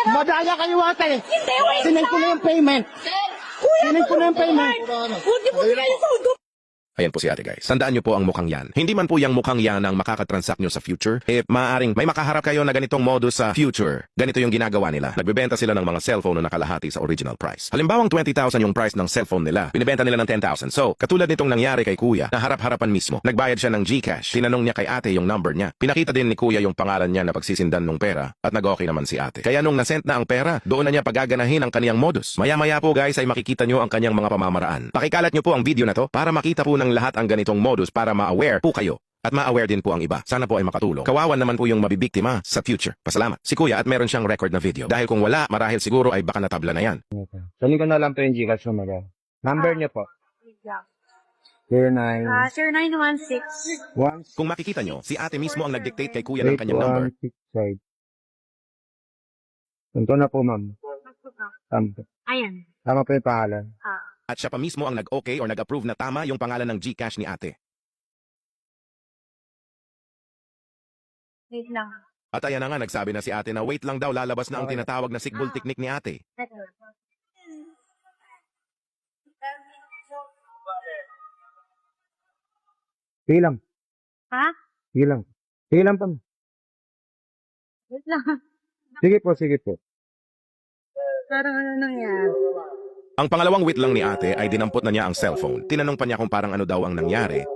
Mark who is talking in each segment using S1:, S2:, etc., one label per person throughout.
S1: Madaya kayo ate.
S2: Hindi, wait
S1: Sinend ko na yung payment.
S2: Kuya,
S1: Sinend ko na yung payment.
S2: Huwag mo yung sundo.
S3: Ayan po si ate guys. Tandaan nyo po ang mukhang yan. Hindi man po yung mukhang yan ang makakatransact nyo sa future. Maaaring may makaharap kayo na ganitong modus sa future. Ganito yung ginagawa nila. Nagbebenta sila ng mga cellphone na nakalahati sa original price. Halimbawang 20,000 yung price ng cellphone nila. Binibenta nila ng 10,000. So, katulad nitong nangyari kay kuya, na harap-harapan mismo. Nagbayad siya ng GCash. Tinanong niya kay ate yung number niya. Pinakita din ni kuya yung pangalan niya na pagsisindan ng pera at nag-okay naman si ate. Kaya nung nasent na ang pera, doon na niya pagaganahin ang kaniyang modus. Maya-maya po guys ay makikita nyo ang kanyang mga pamamaraan. Pakikalat nyo po ang video na to para makita po ng lahat ang ganitong modus para ma-aware po kayo. At ma-aware din po ang iba. Sana po ay makatulong. Kawawan naman po yung mabibiktima sa future. Pasalamat. Si kuya at meron siyang record na video. Dahil kung wala, marahil siguro ay baka natabla na yan.
S1: Sali ko na lang po yung Gcash mo, madam. Number niyo po. 09.
S2: 0916.
S3: Kung makikita nyo, si ate mismo ang nag-dictate kay kuya ng kanyang number.
S1: 8165. Ito na po, ma'am.
S2: Ayan.
S1: Tama po yung pangalan.
S3: At siya pa mismo ang nag-okay or nag-approve na tama yung pangalan ng GCash ni ate.
S2: Wait lang.
S3: At ayan na nga, nagsabi na si ate na wait lang daw, lalabas na ang tinatawag na sigbol technique ni ate.
S1: Sige lang.
S2: Ha?
S1: Sige lang. Sige lang pa.
S2: Wait lang.
S1: Sige po, sige po.
S2: Parang ano nangyari?
S3: Ang pangalawang wait lang ni ate ay dinampot na niya ang cellphone. Tinanong pa niya kung parang ano daw ang nangyari.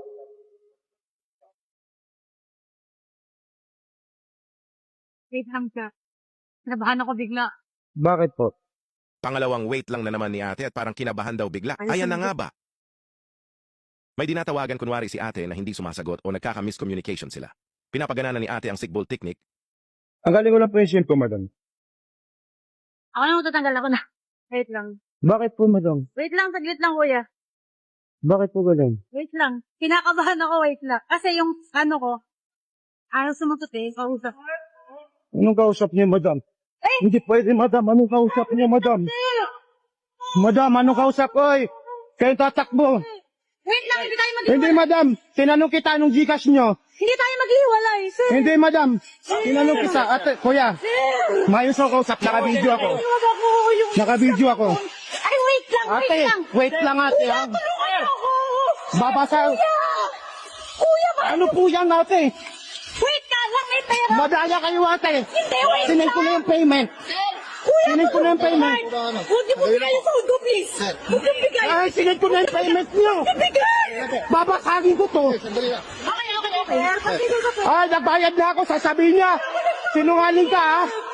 S2: Wait lang ka. Nabahan ako bigla.
S1: Bakit po?
S3: Pangalawang wait lang na naman ni ate at parang kinabahan daw bigla. Ayan na nga ba? May dinatawagan kunwari si ate na hindi sumasagot o nagkaka-miscommunication sila. Pinapagana na ni ate ang sigbol technique.
S1: Ang galing ko lang po yung SIM ko, madam.
S2: Ako na matatanggal ako na. Wait lang.
S1: Bakit po, madam?
S2: Wait lang, saglit lang kuya.
S1: Bakit po galing?
S2: Wait lang. Kinakabahan ako, wait lang. Kasi yung ano ko, ayaw sumagot eh, kausap.
S1: Anong kausap niyo, madam? Hindi pwede, madam. Anong kausap niyo, madam? Madam, anong kausap? Oy! Kayo tatakbo.
S2: Wait lang, hindi tayo maghiwalay.
S1: Hindi, madam. Tinanong kita anong Gcash niyo.
S2: Hindi tayo maghiwalay, sir.
S1: Hindi, madam. Tinanong kita. Ate, kuya. Mayos ako kausap. Naka-video ako.
S2: Huwag ako yung...
S1: Naka-video ako.
S2: Ay, wait lang, wait
S1: Ate,
S2: lang.
S1: wait lang, ate.
S2: Kuya,
S1: ha?
S2: tulungan ako.
S1: Babasa.
S2: Kuya, ba?
S1: Ano po yan, ate?
S2: Wait ka lang, may pera.
S1: Madaya kayo, ate.
S2: Hindi, wait
S1: Sinend ko na yung payment.
S2: Kuya,
S1: Sinend ko na yung payment.
S2: Huwag niyo po bigay yung sundo, please. Huwag niyo bigay.
S1: Ay, sinend ko na yung payment niyo.
S2: Bigay.
S1: Babasagin ko to.
S2: Okay.
S1: Ay, nagbayad na ako. Sasabihin niya. Sinungaling ka, ha?